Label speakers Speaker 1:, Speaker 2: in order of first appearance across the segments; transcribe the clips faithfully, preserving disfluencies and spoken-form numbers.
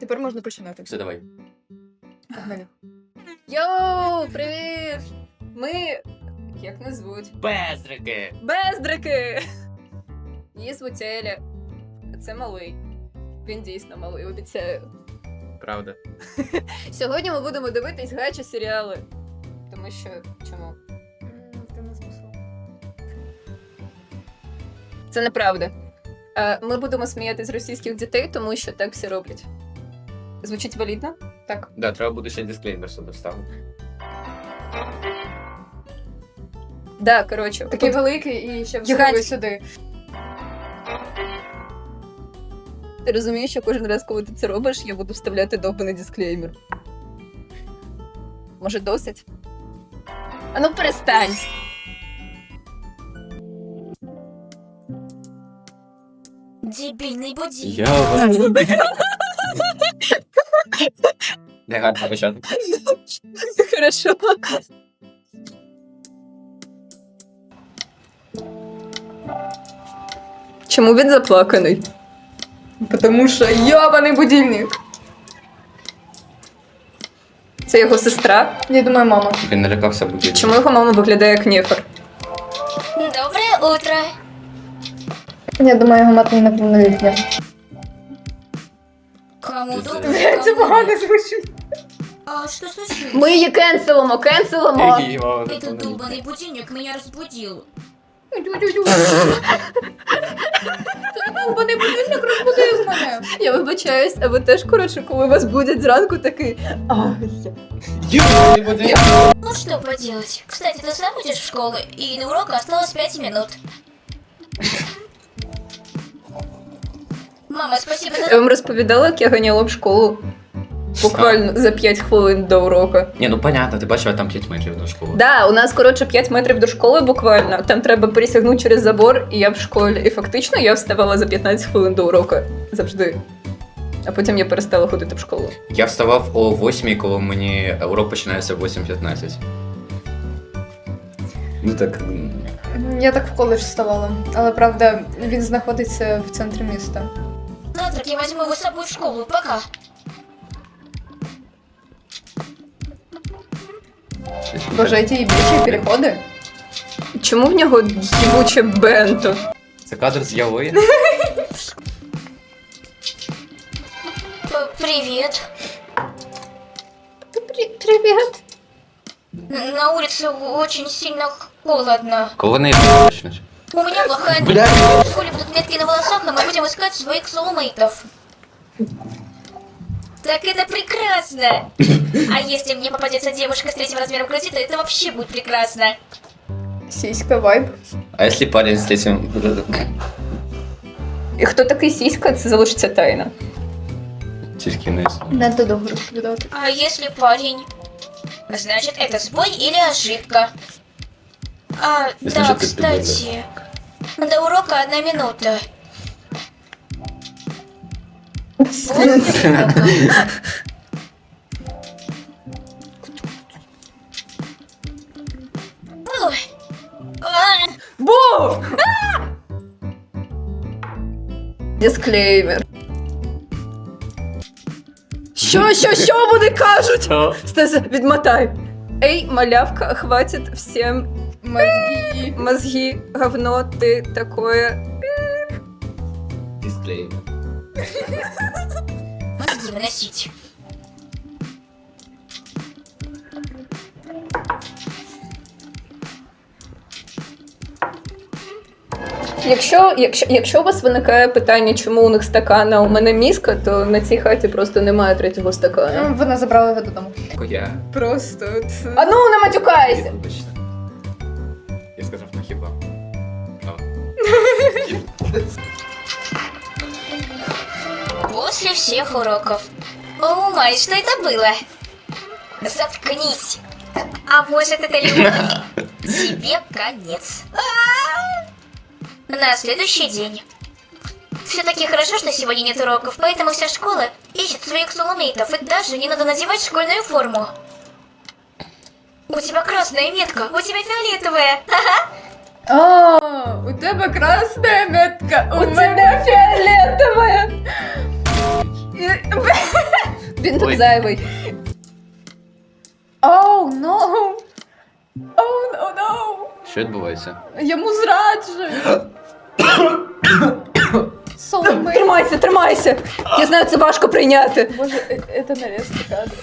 Speaker 1: Тепер можна починати.
Speaker 2: Все, давай.
Speaker 1: Погнали.
Speaker 3: Йоу, привіт! Ми. Як нас звуть?
Speaker 2: Бездрики!
Speaker 3: Бездрики! Її звуть Еля. Це малий. Він дійсно малий, обіцяю.
Speaker 2: Правда.
Speaker 3: Сьогодні ми будемо дивитись гачі серіали. Тому що. Чому?
Speaker 1: Ти не змусила.
Speaker 3: Це неправда. Е, Ми будемо сміяти з російських дітей, тому що так всі роблять. Звучить валідно? Так.
Speaker 2: Да, треба буде ще дисклеймер сюди вставити.
Speaker 3: Да, коротше.
Speaker 1: Такий
Speaker 3: тут
Speaker 1: великий і ще
Speaker 3: Гігантський.
Speaker 1: всунули сюди.
Speaker 3: Ти розумієш, що кожен раз, коли ти це робиш, я буду вставляти довбаний дисклеймер. Може, досить? А ну перестань!
Speaker 4: Дебільний будильник.
Speaker 2: Я вас... Не гарно почати.
Speaker 3: Хорошо. Чому він заплаканий?
Speaker 1: Потому що йобаний будильник.
Speaker 3: Це його сестра?
Speaker 1: Я думаю, мама.
Speaker 2: Він налякався будь-який.
Speaker 3: Чому його мама виглядає як нефер?
Speaker 4: Доброе утро.
Speaker 1: Я думаю, його мати неповнолітня.
Speaker 4: Кому доброе,
Speaker 1: Це
Speaker 4: кому
Speaker 1: погано
Speaker 4: нет.
Speaker 1: звучить.
Speaker 4: А что случилось?
Speaker 3: Ми її кенселимо, кенселимо!
Speaker 2: Який мама не
Speaker 4: Этот
Speaker 2: повнолітня.
Speaker 4: долбанный будильник меня разбудил.
Speaker 1: Довбаний будильник розбудив мене.
Speaker 3: Я вибачаюсь, а ви теж, коротше, коли вас будять зранку, такий. Ай, я.
Speaker 2: Я не буду.
Speaker 4: Ну что поделать. Кстати, ты сам идешь в школу, и до урока осталось пять минут. Мама, спасибо
Speaker 3: Я
Speaker 4: за...
Speaker 3: вам розповідала, як я ганяла в школу. Буквально за п'ять хвилин до уроку.
Speaker 2: Ні, ну понятно, ти бачила там п'ять метрів до школи.
Speaker 3: Да, у нас, коротше, п'ять метрів до школи буквально. Там треба пересягнути через забор, і я в школі. І фактично я вставала за п'ятнадцять хвилин до уроку. Завжди. А потім я перестала ходити в школу.
Speaker 2: Я вставав о восьмій, коли мені урок починається в восім п'ятнадцять. Ну так. м,
Speaker 1: Я так в коледж вставала. Але правда, він знаходиться в центрі міста.
Speaker 4: Завтрак я возьму его с собой в школу. Пока.
Speaker 2: щось
Speaker 1: Боже,
Speaker 2: таке.
Speaker 1: ті більші переходи.
Speaker 3: Чому в нього їбуче бенто?
Speaker 2: Це кадр з Яви.
Speaker 4: П- Привет.
Speaker 3: Привіт.
Speaker 4: Н- На улице очень сильно холодно.
Speaker 2: Коли не почнеш?
Speaker 4: У меня плохая...
Speaker 2: Бля.
Speaker 4: В школе будут метки на волосах, и мы будем искать своих соулмейтов. Так это прекрасно! А если мне попадется девушка с третьим размером груди, то это вообще будет прекрасно.
Speaker 1: Сіська вайб.
Speaker 2: А якщо парень з цим...
Speaker 3: І хто такий сіська, це залишиться тайна.
Speaker 2: Тільки не існує.
Speaker 1: Не то довго розповідати.
Speaker 4: А если парень? Значит, это сбой или ошибка. А, да,
Speaker 2: Значит, ты
Speaker 4: кстати. До урока одна минута. Вот немного. Ой. А,
Speaker 3: Бу! Дисклеймер. Що, що, що вони кажуть?
Speaker 2: Що?
Speaker 3: Стас, відмотай. Ей, малявка, хватит всем
Speaker 1: Мозги.
Speaker 3: мозги, говно, ты такое.
Speaker 2: Дисклеймер.
Speaker 4: Мозги выносить.
Speaker 3: Якщо, якщо, якщо у вас виникає питання, чому у них стакан, а у мене мізка, то на цій хаті просто немає третього стакана.
Speaker 1: Ну, Вона забрала його додому.
Speaker 2: Я.
Speaker 1: Просто. от-
Speaker 3: А ну, не матюкайся!
Speaker 2: Вибачте. Я сказав на хіба.
Speaker 4: После всех уроков. О, май, что это было? Заткнись. А может, это любовь? Тебе конец. На следующий день. Все-таки хорошо, что сегодня нет уроков, поэтому вся школа ищет своих соулмейтов, и даже не надо надевать школьную форму. У тебя красная метка, у тебя фиолетовая.
Speaker 1: А, у тебе красна метка, у
Speaker 3: У
Speaker 1: мене
Speaker 3: тебя фиолетовая!
Speaker 1: фі-
Speaker 3: Він тут
Speaker 2: Ой.
Speaker 3: зайвий.
Speaker 1: Оу, oh, no! Оу, oh, no,
Speaker 2: Що відбувається?
Speaker 1: no! Йому зраджують! Soulmate.
Speaker 3: Тримайся, тримайся! Я знаю, це важко прийняти.
Speaker 1: Боже, е- це нарізка кадру.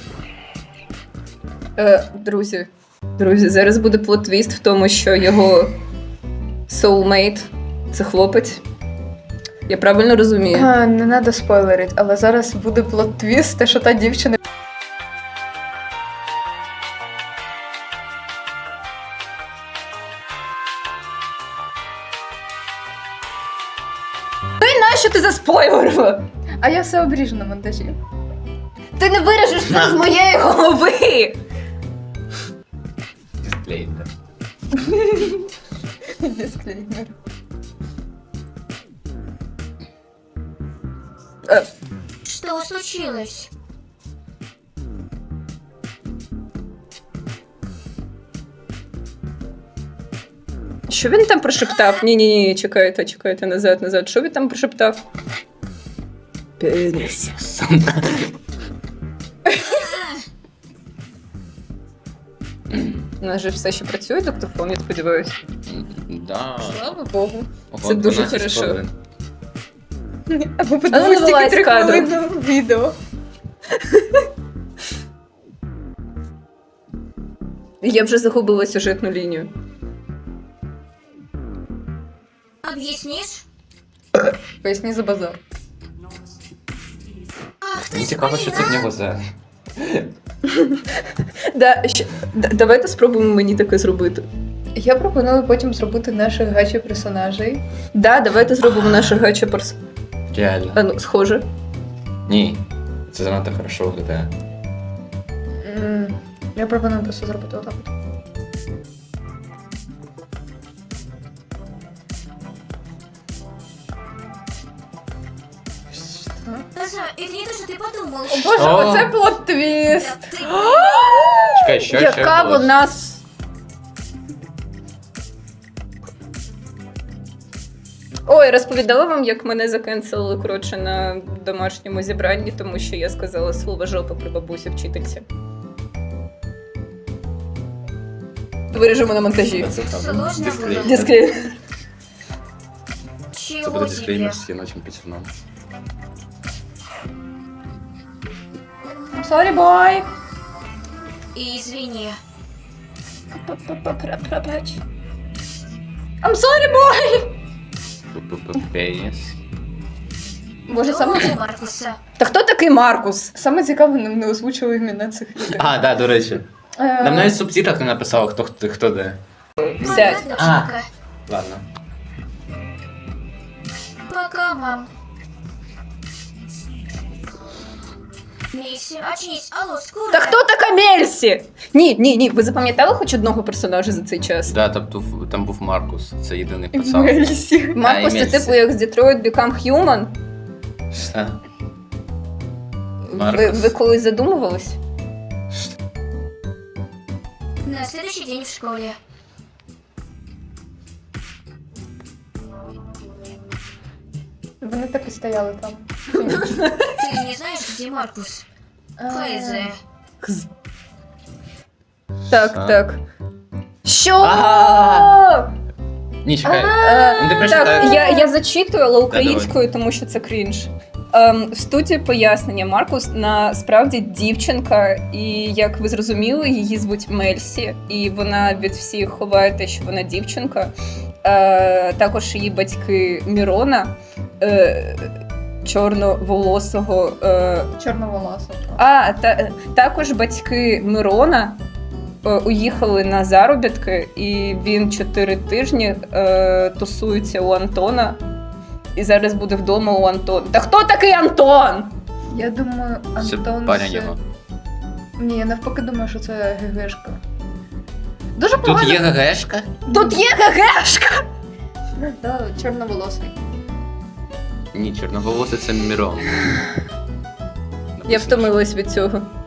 Speaker 3: Е, друзі, друзі, зараз буде плот-твіст в тому, що його soulmate – це хлопець. Я правильно розумію?
Speaker 1: А, не треба спойлерити, але зараз буде плот-твіст, те, що та дівчина.
Speaker 3: Нащо ти заспойлерила?
Speaker 1: А я все обріжу на монтажі.
Speaker 3: Ти не виріжеш це з моєї голови!
Speaker 2: Дисклеймер.
Speaker 1: Дисклеймер.
Speaker 3: Е,
Speaker 4: Что случилось?
Speaker 3: Що він там прошептав? Ні-ні-ні, чекайте, чекайте, назад, назад. Що він там прошептав? Пеніс. У нас же все ще працює диктофон, я сподіваюся.
Speaker 2: Да.
Speaker 1: Слава Богу.
Speaker 2: Ого,
Speaker 3: Це дуже
Speaker 2: дванадцять
Speaker 3: хорошо.
Speaker 2: хвилин.
Speaker 1: Або
Speaker 3: Але
Speaker 1: подивись
Speaker 3: не
Speaker 1: тільки
Speaker 3: вилазь
Speaker 1: три
Speaker 3: з кадру.
Speaker 1: хвилини відео.
Speaker 3: Я вже загубила сюжетну лінію.
Speaker 4: Объяснишь?
Speaker 1: Поясні за базар.
Speaker 4: Ах,
Speaker 2: Мені
Speaker 4: ты
Speaker 2: цікаво, що це в нього за.
Speaker 3: Да, ще, да, давайте спробуємо мені таке зробити.
Speaker 1: Я пропоную потім зробити наших гачі персонажей.
Speaker 3: Да, давайте зробимо наше гача перс...
Speaker 2: Реально.
Speaker 3: А ну, схоже.
Speaker 2: Ні. Це занадто хорошо виглядає.
Speaker 1: М, Я пропоную просто зробити отак. от. Що?
Speaker 4: Даша, это не то, что ты подумал.
Speaker 1: О боже,
Speaker 2: О.
Speaker 1: оце плот-твіст!
Speaker 4: Да ты...
Speaker 2: Чекай, що, що
Speaker 3: Яка
Speaker 2: відбулося?
Speaker 3: вона... с- Ой, розповідала вам, як мене закенселили, коротше, на домашньому зібранні, тому що я сказала слово жопа при бабусі вчительці. Виріжемо на монтажі.
Speaker 2: Це там
Speaker 4: Сложно
Speaker 2: дисклеймер.
Speaker 4: було.
Speaker 3: Дисклеймер.
Speaker 2: Це
Speaker 4: Чего
Speaker 2: буде
Speaker 4: тебе?
Speaker 2: дисклеймер з яночим пацаном.
Speaker 1: I'm sorry, boy!
Speaker 4: И извини.
Speaker 1: I'm sorry, boy!
Speaker 2: Пеніс.
Speaker 1: Боже,
Speaker 4: Кто
Speaker 1: саме,
Speaker 4: у Маркуса?
Speaker 3: Та хто такий Маркус?
Speaker 1: саме цікаве, нам не озвучили імена цих людей.
Speaker 2: А, да, до речі.
Speaker 1: Е,
Speaker 2: Нам навіть в субтитрах не написало, хто, хто, хто де.
Speaker 3: Сядь.
Speaker 4: Пока, доченька.
Speaker 2: Ладно.
Speaker 4: Пока, мам. Мисси, очнись. Алло, скоро.
Speaker 3: Та хто така Мельсі? Ні, ні, ні. Ви запам'ятали хоч одного персонажа за цей час?
Speaker 2: Да, там, був- там був Маркус, це єдиний пацан.
Speaker 1: Мельсі.
Speaker 3: Маркус
Speaker 2: А,
Speaker 3: це
Speaker 2: і Мельсі.
Speaker 3: типу як з Detroit Become Human.
Speaker 2: Що?
Speaker 3: Ви,
Speaker 2: Маркус.
Speaker 3: ви колись задумувались?
Speaker 4: На следующий день в школе.
Speaker 1: Вони так і стояли там.
Speaker 4: Ты не знаешь, где Маркус? Хайзе.
Speaker 3: Так,
Speaker 2: Що?
Speaker 3: так. Що?
Speaker 2: А! Ні, чекай.
Speaker 3: Е,
Speaker 2: Ну, ти
Speaker 3: Так,
Speaker 2: прочитай.
Speaker 3: я, я зачитую, але українською, тому що це крінж. Ем, в студії пояснення Маркус насправді дівчинка, і як ви зрозуміли, її звуть Мельсі, і вона від всіх ховає те, що вона дівчинка. Е, також її батьки Мірона, е, чорноволосого. Е,
Speaker 1: Чорноволоса.
Speaker 3: а, та, також батьки Мирона е, уїхали на заробітки, і він чотири тижні е, тусується у Антона. І зараз буде вдома у Антона. Та хто такий Антон?
Speaker 1: Я думаю,
Speaker 2: Це
Speaker 1: Антон...
Speaker 2: парень
Speaker 1: це-
Speaker 2: його.
Speaker 1: Ні, я навпаки думаю, що це ГГшка. Дуже
Speaker 2: Тут
Speaker 1: погано.
Speaker 2: є ГГшка?
Speaker 3: Тут є ГГшка!
Speaker 1: Да, чорноволосий.
Speaker 2: Ні, чорноволосий це Мірон.
Speaker 3: Я втомилась від цього.